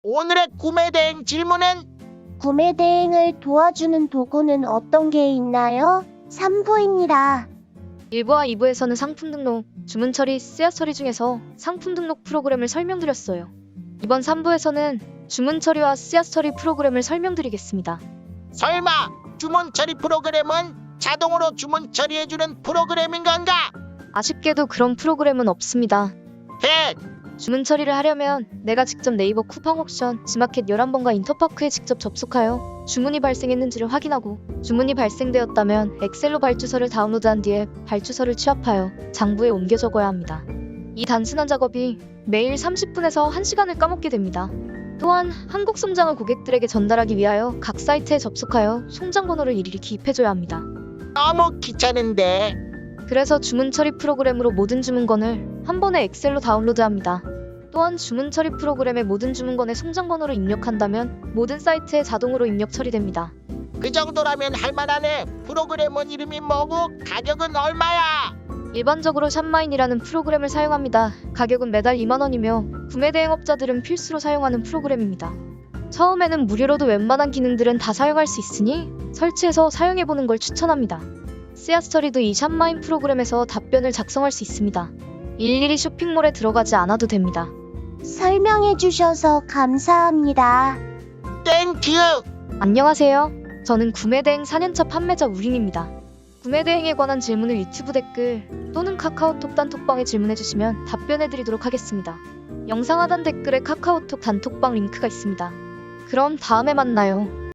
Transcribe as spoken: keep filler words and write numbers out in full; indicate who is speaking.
Speaker 1: 오늘의 구매 대행 질문은
Speaker 2: 구매 대행을 도와주는 도구는 어떤 게 있나요? 삼 부입니다.
Speaker 3: 일 부와 이 부에서는 상품 등록, 주문 처리, 씨앗 처리 중에서 상품 등록 프로그램을 설명드렸어요. 이번 삼 부에서는 주문 처리와 씨앗 처리 프로그램을 설명드리겠습니다.
Speaker 1: 설마 주문 처리 프로그램은 자동으로 주문 처리해주는 프로그램인 건가?
Speaker 3: 아쉽게도 그런 프로그램은 없습니다.
Speaker 1: 헷!
Speaker 3: 주문 처리를 하려면 내가 직접 네이버 쿠팡 옥션, 지마켓 열한 번과 인터파크에 직접 접속하여 주문이 발생했는지를 확인하고 주문이 발생되었다면 엑셀로 발주서를 다운로드한 뒤에 발주서를 취합하여 장부에 옮겨 적어야 합니다. 이 단순한 작업이 매일 삼십 분에서 한 시간을 까먹게 됩니다. 또한 한국 송장을 고객들에게 전달하기 위하여 각 사이트에 접속하여 송장 번호를 일일이 기입해줘야 합니다.
Speaker 1: 너무 귀찮은데.
Speaker 3: 그래서 주문 처리 프로그램으로 모든 주문건을 한 번에 엑셀로 다운로드합니다. 또한 주문 처리 프로그램의 모든 주문건의 송장 번호를 입력한다면 모든 사이트에 자동으로 입력 처리됩니다.
Speaker 1: 그 정도라면 할만하네. 프로그램은 이름이 뭐고 가격은 얼마야?
Speaker 3: 일반적으로 샵마인이라는 프로그램을 사용합니다. 가격은 매달 이만 원이며 구매 대행업자들은 필수로 사용하는 프로그램입니다. 처음에는 무료로도 웬만한 기능들은 다 사용할 수 있으니 설치해서 사용해보는 걸 추천합니다. 씨앗 처리도 이 샵마인 프로그램에서 답변을 작성할 수 있습니다. 일일이 쇼핑몰에 들어가지 않아도 됩니다.
Speaker 2: 설명해 주셔서 감사합니다.
Speaker 1: 땡큐!
Speaker 3: 안녕하세요. 저는 구매대행 사 년차 판매자 우린입니다. 구매대행에 관한 질문을 유튜브 댓글 또는 카카오톡 단톡방에 질문해주시면 답변해드리도록 하겠습니다. 영상 하단 댓글에 카카오톡 단톡방 링크가 있습니다. 그럼 다음에 만나요.